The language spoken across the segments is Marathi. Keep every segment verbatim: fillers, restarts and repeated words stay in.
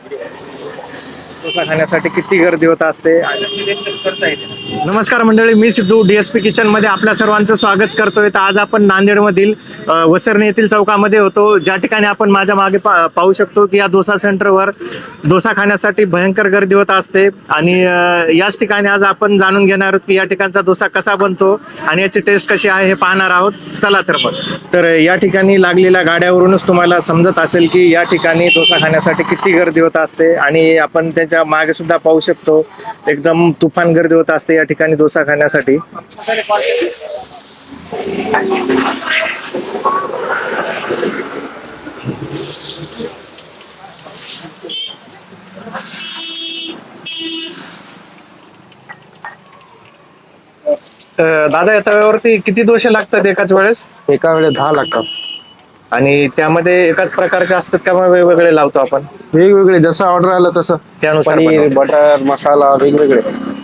डोसा खाण्यासाठी किती गर्दी होत असते. नमस्कार मंडळी, मी सिद्धू डीएसपी किचन मध्ये आपल्या सर्वांचं स्वागत करतोय. तर आज आपण नांदेड मधील वसरणे येथील चौकामध्ये होतो, ज्या ठिकाणी आपण माझ्या मागे पाहू शकतो की या डोसा सेंटरवर डोसा खाण्यासाठी भयंकर गर्दी होत असते. आणि याच ठिकाणी आज आपण जाणून घेणार आहोत की या ठिकाणचा डोसा कसा बनतो आणि याची टेस्ट कशी आहे हे पाहणार आहोत. चला तर मग. तर या ठिकाणी लागलेल्या गाड्यावरूनच तुम्हाला समजत असेल की या ठिकाणी डोसा खाण्यासाठी किती गर्दी होत असते. आणि आपण त्याच्या मागे सुद्धा पाहू शकतो एकदम तुफान गर्दी होत असते या ठिकाणी डोसा खाण्यासाठी. दादा, या तव्यावरती किती डोसे लागतात एकाच वेळेस? एका वेळेस दहा लागतात. आणि त्यामध्ये एकाच प्रकारचे असतात का मग वेगवेगळे लावतो आपण? वेगवेगळे, जसं ऑर्डर आलं तसं त्यानुसार पनीर, बटर, मसाला वेगवेगळे.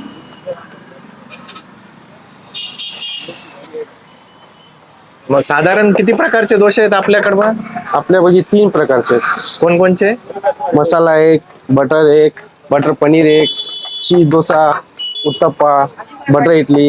मग साधारण किती प्रकारचे डोसे आहेत आपल्याकडे? मग आपल्यापैकी तीन प्रकारचे आहेत. कोणकोणचे? मसाला एक, बटर एक, बटर पनीर एक, चीज डोसा, उत्तप्पा, बटर इडली.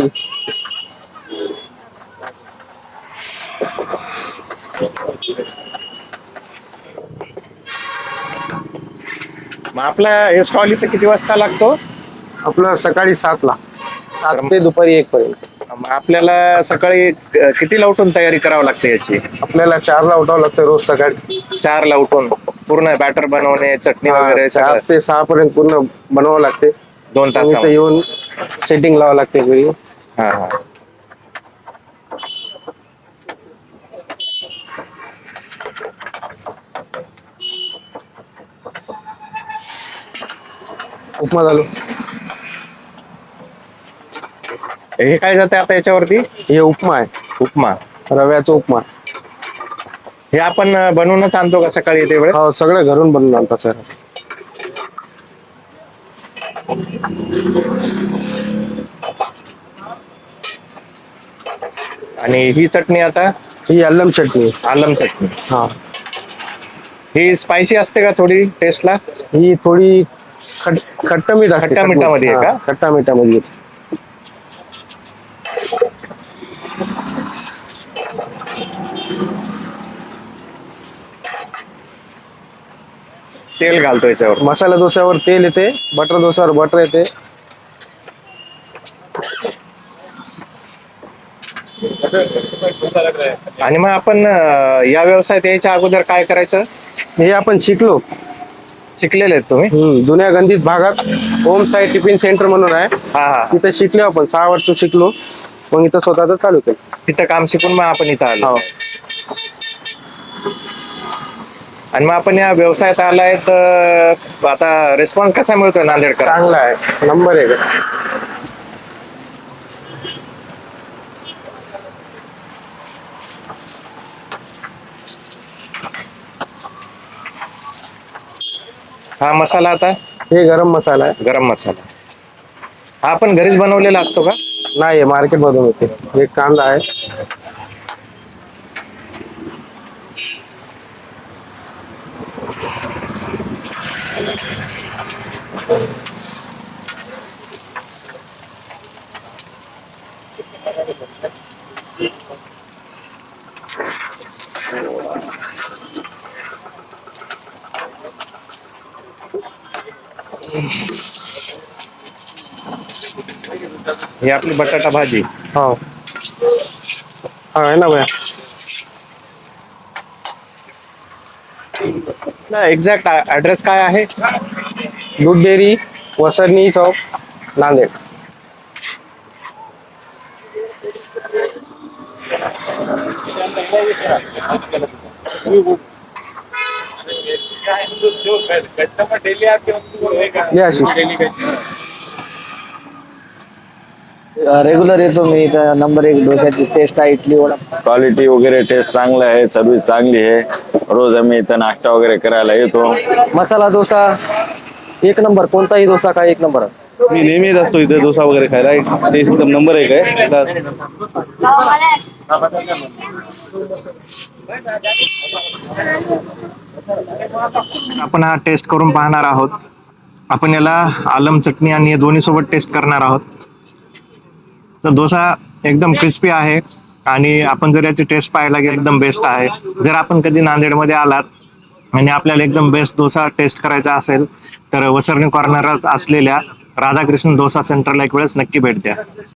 मग आपला हे स्टॉल इथे किती वाजता लागतो? आपलं सकाळी सात ला सात ते दुपारी एक पर्यंत. मग आपल्याला सकाळी कितीला उठून तयारी करावी लागते याची? आपल्याला चार ला उठावं लागतं रोज सकाळी. चार ला उठून पूर्ण बॅटर बनवणे, चटणी वगैरे चार ते सहा पर्यंत पूर्ण बनवावं लागते. दोन तास येऊन सेटिंग लावावं लागते घरी. हा हा उपमा झालो. हे काय जाते आता याच्यावरती? हे उपमा आहे, उपमा, रव्याचा उपमा. हे आपण बनवूनच आणतो का सकाळी येते वेळेस? हो, सगळं घरून बनवून आणतात सर. आणि ही चटणी आता? ही अल्लम चटणी. आलम चटणी. हा, ही स्पायसी असते का थोडी टेस्टला? ही थोडी खट खट्टा मीठ असते. खट्टा मिठामध्ये आहे का? खट्टा मिठामध्ये. तेल घालतो याच्यावर. मसाला डोस्यावर तेल येते, बटर डोस्यावर बटर येते. आणि मग आपण या व्यवसायात यायच्या अगोदर काय करायचं? हे आपण शिकलो. शिकलेले आहेत तुम्ही? हम्म जुन्या गंधित भागात ओम साई टिफिन सेंटर म्हणून आहे. हा हा तिथे शिकलो आपण. सहा वर्ष शिकलो, मग इथं स्वतःच चालू केलं. तिथं काम शिकून मग आपण इथं आलो. हो. आणि मग आपण या व्यवसायात आलाय तर आता रिस्पॉन्स कसा मिळतोय नांदेडकर? चांगला आहे, नंबर एक. हा मसाला आता? हे गरम मसाला आहे. गरम मसाला हा आपण घरीच बनवलेला असतो का? नाही, मार्केट मधून होते. एक कांदा आहे. ही आपली बटाटा भाजी. हो, आहे ना भैया. एक्झॅक्ट ऍड्रेस काय आहे? दूध डेअरी, वसरणी चौक, नांदेड. रेग्युलर येतो मी. नंबर एक डोस्याची टेस्ट आहे, इडली वडा. क्वालिटी वगैरे टेस्ट चांगला आहे, सर्विस चांगली आहे. रोज आम्ही इथं नाश्ता वगैरे करायला येतो. मसाला डोसा एक नंबर. कोणताही डोसा काय एक नंबर. मी नेहमीच असतो इथे डोसा वगैरे खायला. टेस्ट एकदम नंबर एक आहे. आपण हा टेस्ट करून पाहणार आहोत. आपण याला आलम चटणी आणि या दोन्ही सोबत टेस्ट करणार आहोत. तर डोसा एकदम क्रिस्पी आहे आणि आपण जर याची टेस्ट पाहायला गेलं एकदम बेस्ट आहे. जर आपण कधी नांदेडमध्ये आलात आणि आपल्याला एकदम बेस्ट डोसा टेस्ट करायचा असेल तर वसरणी कॉर्नरच असलेल्या राधाकृष्ण डोसा सेंटरला एक वेळेस नक्की भेट द्या.